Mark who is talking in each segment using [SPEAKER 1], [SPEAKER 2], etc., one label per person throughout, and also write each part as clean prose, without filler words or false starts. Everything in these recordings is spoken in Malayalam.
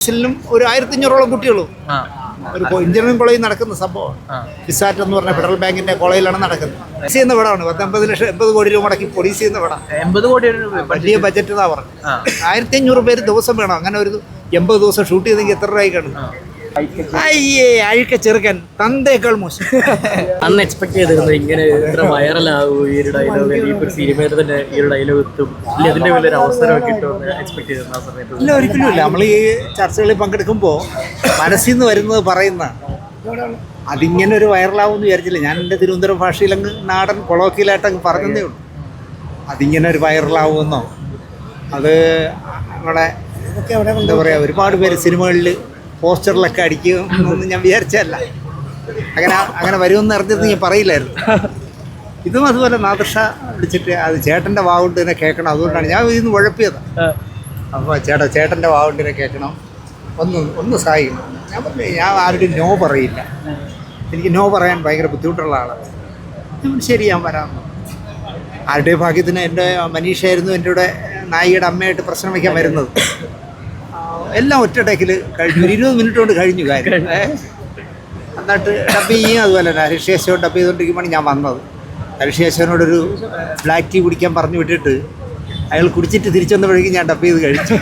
[SPEAKER 1] ിലും ഒരു 1500ഓളം കുട്ടികളും ഒരു എഞ്ചിനീയറിംഗ് കോളേജിൽ നടക്കുന്ന സംഭവം ഫിസാറ്റ് എന്ന് പറഞ്ഞ ഫെഡറൽ ബാങ്കിന്റെ കോളേജിലാണ് നടക്കുന്നത്. പൊളീസ് ചെയ്യുന്ന പടമാണ്. 80 കോടി രൂപ മുടക്കി പൊളീസ് ചെയ്യുന്ന പടം.
[SPEAKER 2] 80 കോടി
[SPEAKER 1] വലിയ ബജറ്റ് എന്നാ പറഞ്ഞു. 1500 പേര് ദിവസം വേണം. അങ്ങനെ ഒരു 80 ദിവസം ഷൂട്ട് ചെയ്തെങ്കിൽ എത്ര രൂപ കാണും? അയ്യേ അഴുക്ക ചെറുക്കൻ തന്തേക്കാൾ മോശം.
[SPEAKER 3] അന്ന് എക്സ്പെക്ട് ചെയ്തിരുന്നത് ഇങ്ങനെ ഇത്ര വൈറലാകും ഈ ഒരു ഡയലോഗ്, ഈ ഒരു സിനിമയിൽ തന്നെ ഈ ഒരു ഡയലോഗ് എത്തും, ഇല്ല ഇതിന്റെ വലിയൊരു അവസരം കിട്ടുമെന്ന് എക്സ്പെക്ട് ചെയ്തിരുന്ന ആ സമയത്ത്?
[SPEAKER 1] ഇല്ല, ഒരിക്കലും ഇല്ല. നമ്മൾ ഈ ചർച്ചകളിൽ പങ്കെടുക്കുമ്പോൾ മനസ്സിൽ നിന്ന് വരുന്നത് പറയുന്ന അതിങ്ങനെ ഒരു വൈറലാവുമെന്ന് വിചാരിച്ചില്ല. ഞാൻ എൻ്റെ തിരുവനന്തപുരം ഭാഷയിലങ്ങ് നാടൻ കൊളോക്കിയലായിട്ടങ്ങ് പറഞ്ഞതേ ഉള്ളൂ. അതിങ്ങനെ ഒരു വൈറലാവുമെന്നോ അത് നമ്മുടെ എന്താ പറയുക ഒരുപാട് പേര് സിനിമകളിൽ പോസ്റ്ററിലൊക്കെ അടിക്കുമെന്നൊന്നും ഞാൻ വിചാരിച്ചല്ല. അങ്ങനെ വരുമെന്ന് അറിഞ്ഞത് ഞാൻ പറയില്ലായിരുന്നു. ഇതും അതുപോലെ നാദൃഷ വിളിച്ചിട്ട് അത് ചേട്ടൻ്റെ വാവുകൊണ്ട് തന്നെ കേൾക്കണം, അതുകൊണ്ടാണ് ഞാൻ ഇതിന്ന് ഉഴപ്പിയത്. അപ്പോൾ ചേട്ടൻ്റെ വാവുകൊണ്ട് തന്നെ കേൾക്കണം, ഒന്ന് സഹായിക്കണം. ഞാൻ പറഞ്ഞു ഞാൻ ആരുടെയും നോ പറയില്ല, എനിക്ക് നോ പറയാൻ ഭയങ്കര ബുദ്ധിമുട്ടുള്ള ആളാണ്. ശരി ഞാൻ വരാം. ആരുടെ ഭാഗ്യത്തിന് എൻ്റെ മനീഷയായിരുന്നു എൻ്റെ കൂടെ നായികയുടെ അമ്മയായിട്ട് പ്രശ്നം വയ്ക്കാൻ വരുന്നത്. എല്ലാം ഒറ്റ ടേക്കിൽ കഴിഞ്ഞു. 20 മിനിറ്റ് കൊണ്ട് കഴിഞ്ഞു കാര്യം. എന്നിട്ട് ഡബ് ചെയ്യും. അതുപോലെ തന്നെ ഹരിശേഷോ ഡബ് ചെയ്തുകൊണ്ടിരിക്കുമ്പോൾ ഞാൻ വന്നത്. ഹരിശേഷനോടൊരു ബ്ലാക്ക് ടീ കുടിക്കാൻ പറഞ്ഞു വിട്ടിട്ട് അയാൾ കുടിച്ചിട്ട് തിരിച്ചു വന്നപ്പോഴേക്കും ഞാൻ ഡബ് ചെയ്ത് കഴിച്ചു.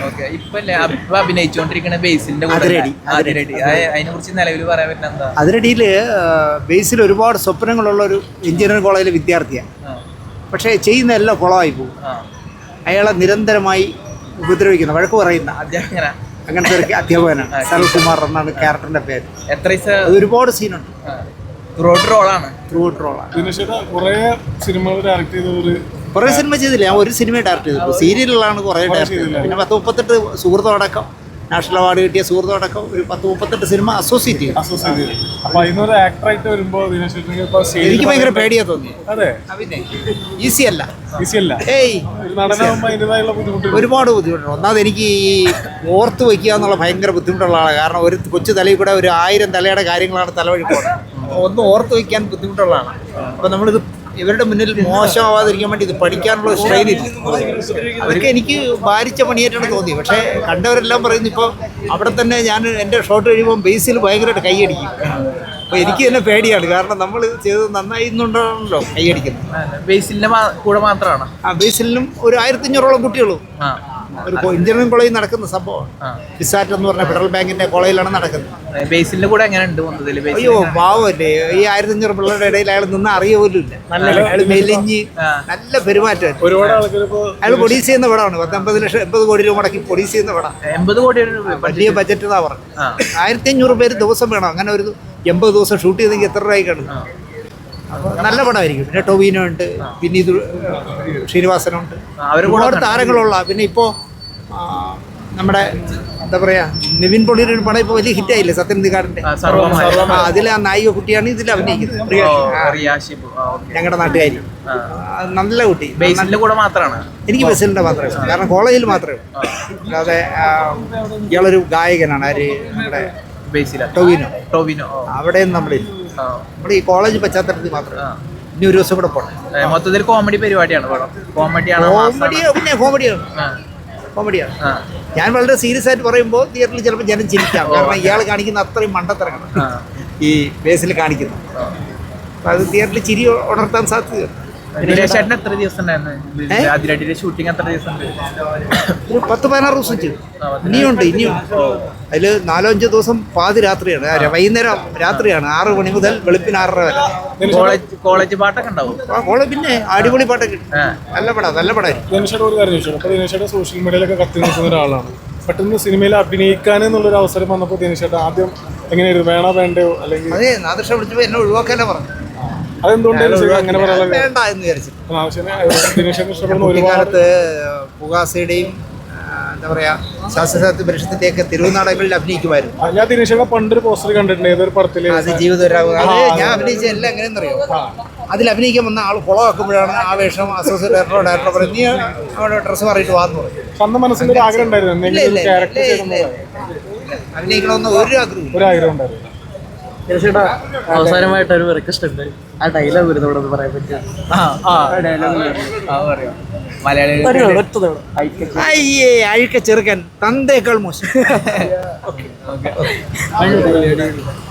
[SPEAKER 1] അതിരടിയിൽ ബേസിൽ ഒരുപാട് സ്വപ്നങ്ങളുള്ള ഒരു എഞ്ചിനീയറിംഗ് കോളേജിലെ വിദ്യാർത്ഥിയാണ്. പക്ഷേ ചെയ്യുന്ന എല്ലാം കുളമായി പോകും. അയാളെ നിരന്തരമായി ഉപദ്രവിക്കുന്ന, വഴക്ക് പറയുന്ന അങ്ങനത്തെ ഒരു അധ്യാപകനാണ്. സരൽകുമാർ എന്നാണ് ക്യാരക്ടറിന്റെ പേര്. അത് ഒരുപാട് സീനുണ്ട്. കുറേ സിനിമ ചെയ്തില്ല. ഞാൻ ഒരു സിനിമ ഡയറക്ട് ചെയ്തു. സീരിയലുകളാണ് കുറേ ഡയറക്ട് ചെയ്തത്. പിന്നെ 10-38 സുഹൃത്തോടക്കം നാഷണൽ അവാർഡ് കിട്ടിയ സുഹൃത്തോടക്കം ഒരു 10-38 സിനിമ അസോസിയേറ്റ് ചെയ്തു. എനിക്ക് ഭയങ്കര പേടിയാ തോന്നി. ഈസി അല്ല. ഏയ് ഒരുപാട് ബുദ്ധിമുട്ടുണ്ട്. ഒന്നാമത് എനിക്ക് ഈ ഓർത്ത് വയ്ക്കുക എന്നുള്ള ഭയങ്കര ബുദ്ധിമുട്ടുള്ള ആളാണ്. കാരണം ഒരു കൊച്ചു തലയിൽ കൂടെ ഒരു 1000 തലയുടെ കാര്യങ്ങളാണ് തലവഴി പോകുന്നത്. ഒന്നും ഓർത്ത് വയ്ക്കാൻ ബുദ്ധിമുട്ടുള്ളതാണ്. അപ്പം നമ്മളിത് ഇവരുടെ മുന്നിൽ മോശമാവാതിരിക്കാൻ വേണ്ടി ഇത് പഠിക്കാനുള്ള സ്ട്രെയിനില്ല. അതൊക്കെ എനിക്ക് ഭാരിച്ച പണിയായിട്ടാണ് തോന്നി. പക്ഷേ കണ്ടവരെല്ലാം പറയുന്നു ഇപ്പോൾ അവിടെ തന്നെ ഞാൻ എൻ്റെ ഷോട്ട് കഴിയുമ്പോൾ ബേസിൽ ഭയങ്കരമായിട്ട് കൈയടിക്കും. അപ്പോൾ എനിക്ക് തന്നെ പേടിയാണ്. കാരണം നമ്മൾ ചെയ്തത് നന്നായിരുന്നുണ്ടല്ലോ കൈയടിക്കുന്നത്.
[SPEAKER 2] ബേസിലിന്റെ കൂടെ മാത്രമാണ്.
[SPEAKER 1] ബേസിലും ഒരു 1500ഓളം കുട്ടികളും ഒരു എഞ്ചിനീയറിംഗ് കോളേജിൽ നടക്കുന്ന സംഭവമാണ്. ഫിസാറ്റ് എന്ന് പറഞ്ഞ ഫെഡറൽ ബാങ്കിന്റെ കോളേജിലാണ് നടക്കുന്നത്.
[SPEAKER 2] ബേസിലിന്റെ കൂടെ എങ്ങനെയുണ്ട്?
[SPEAKER 1] അയ്യോ പാവല്ലേ, ഈ 1500 പിള്ളേരുടെ ഇടയിൽ അയാൾ നിന്ന് അറിയ പോലും ഇല്ല. അയാൾ മെലിഞ്ഞ് നല്ല പെരുമാറ്റം. അയാൾ പൊളീസ് ചെയ്യുന്ന പടമാണ്. 80 കോടി രൂപ മുടക്കി പൊളീസ് ചെയ്യുന്ന പടം.
[SPEAKER 2] 80 കോടി
[SPEAKER 1] വലിയ ബജറ്റ് എന്നാ പറഞ്ഞു. 1500 പേര് ദിവസം വേണം. അങ്ങനെ ഒരു 80 ദിവസം ഷൂട്ട് ചെയ്തെങ്കിൽ എത്ര രൂപ കാണും? നല്ല പടമായിരിക്കും. പിന്നെ ടൊവിനോ ഉണ്ട്, പിന്നെ ഇത് ശ്രീനിവാസനുണ്ട്, ഒരുപാട് താരങ്ങളുള്ള. പിന്നെ ഇപ്പോൾ നമ്മുടെ എന്താ പറയാ നിവിൻ പോളിയുടെ ഒരു പടം ഇപ്പോൾ വലിയ ഹിറ്റായില്ലേ, സത്യനന്ദിക്കാടിന്റെ. അതിലെ ആ നായിക കുട്ടിയാണ് ഇതിൽ അഭിനയിക്കുന്നത്, ഞങ്ങളുടെ നാട്ടുകാരി. നല്ല കുട്ടി.
[SPEAKER 2] ബേസിലിന്റെ കൂടെ മാത്രമാണ്.
[SPEAKER 1] എനിക്ക് ബേസിലിന്റെ മാത്രമേ, കാരണം കോളേജിൽ മാത്രമേ. അല്ലാതെ ഇയാളൊരു ഗായകനാണ്. ആര് നമ്മുടെ ടൊവിനോ. അവിടെയും നമ്മളില്ല. നമ്മുടെ ഈ കോളേജ് പശ്ചാത്തലത്തിൽ മാത്രമേ. ഇനി ഒരു ദിവസം കൂടെ പോകണം.
[SPEAKER 2] മൊത്തത്തിൽ കോമഡി പരിപാടിയാണ്.
[SPEAKER 1] പിന്നെ കോമഡിയാണ്. ഞാൻ വളരെ സീരിയസ് ആയിട്ട് പറയുമ്പോൾ തിയേറ്ററിൽ ചിലപ്പോൾ ജനം ചിരിക്കാം. കാരണം ഇയാൾ കാണിക്കുന്ന അത്രയും മണ്ടത്തരങ്ങളാണ് ഈ ബേസിൽ കാണിക്കുന്നത്. അപ്പം അത് തിയേറ്ററിൽ ചിരി ഉണർത്താൻ സാധ്യതയുണ്ട്.
[SPEAKER 2] എത്ര ദിവസം ഷൂട്ടിംഗ്? എത്ര ദിവസം?
[SPEAKER 1] ഒരു 10-16 ദിവസം ചെയ്തു. ഇനിയുണ്ട്. അതിൽ 4-5 ദിവസം പാതി രാത്രിയാണ്, വൈകുന്നേരം രാത്രിയാണ്. 6 മണി മുതൽ വെളുപ്പിന് 6:30 വരെ.
[SPEAKER 2] കോളേജ് പാട്ടൊക്കെ ഉണ്ടാവും.
[SPEAKER 1] പിന്നെ അടിപൊളി പാട്ടൊക്കെ. നല്ല പടമായിരിക്കും.
[SPEAKER 4] സോഷ്യൽ മീഡിയയിലൊക്കെ കത്തി നിൽക്കുന്ന ഒരാളാണ്. പെട്ടെന്ന് സിനിമയിൽ അഭിനയിക്കാൻ എന്നുള്ളൊരു അവസരം വന്നപ്പോൾ ദിനേശേട്ടൻ ആദ്യം എങ്ങനെയായിരുന്നു? വേണോ വേണ്ടയോ? അല്ലെങ്കിൽ
[SPEAKER 1] അതെ, നാദൃഷ വിളിച്ചപ്പോൾ എന്നെ ഒഴിവാക്കാനേ പറഞ്ഞു.
[SPEAKER 4] വേണ്ട
[SPEAKER 1] എന്ന് വിചാരിച്ചു. കുട്ടിക്കാലത്ത് പുകാസയുടെയും എന്താ പറയാ ശാസ്ത്രസാഹിത്യ പരിഷത്തിന്റെയൊക്കെ തിരുവനാടകങ്ങളിൽ അഭിനയിക്കുമായിരുന്നു.
[SPEAKER 4] പണ്ടൊരു പോസ്റ്റർ കണ്ടിട്ടുണ്ട്.
[SPEAKER 1] അത് ജീവിതം. അത് ഞാൻ അഭിനയിച്ച എല്ലാം എങ്ങനെയെന്നറിയോ, അതിൽ അഭിനയിക്കാൻ വന്ന ആൾ കുളമാക്കുമ്പോഴാണ് ആ വേഷം അസോസിയേറ്റ് ഡയറക്ടർ പറയും, നീ അവിടെ ഡ്രസ്സ് മാറിയിട്ട് വാന്ന് പറയും.
[SPEAKER 4] അഭിനയിക്കണമെന്ന്
[SPEAKER 1] അഭിനയിക്കണമെന്ന് ഒരു ആഗ്രഹം
[SPEAKER 4] ഉണ്ടായിരുന്നു.
[SPEAKER 3] ചേട്ടാ അവസാനമായിട്ട് ഒരു റിക്വസ്റ്റ് ഉണ്ട്, ആ ഡയലോഗ് വരുന്നത് ഇവിടെ ഒന്ന് പറയാൻ പറ്റുമോ?
[SPEAKER 2] മലയാളികൾ
[SPEAKER 3] ഒറ്റ തവണ.
[SPEAKER 1] അയ്യേ അഴുക്ക ചെറുക്കൻ തന്തേക്കാൾ മോശം.
[SPEAKER 3] അയ്യോ,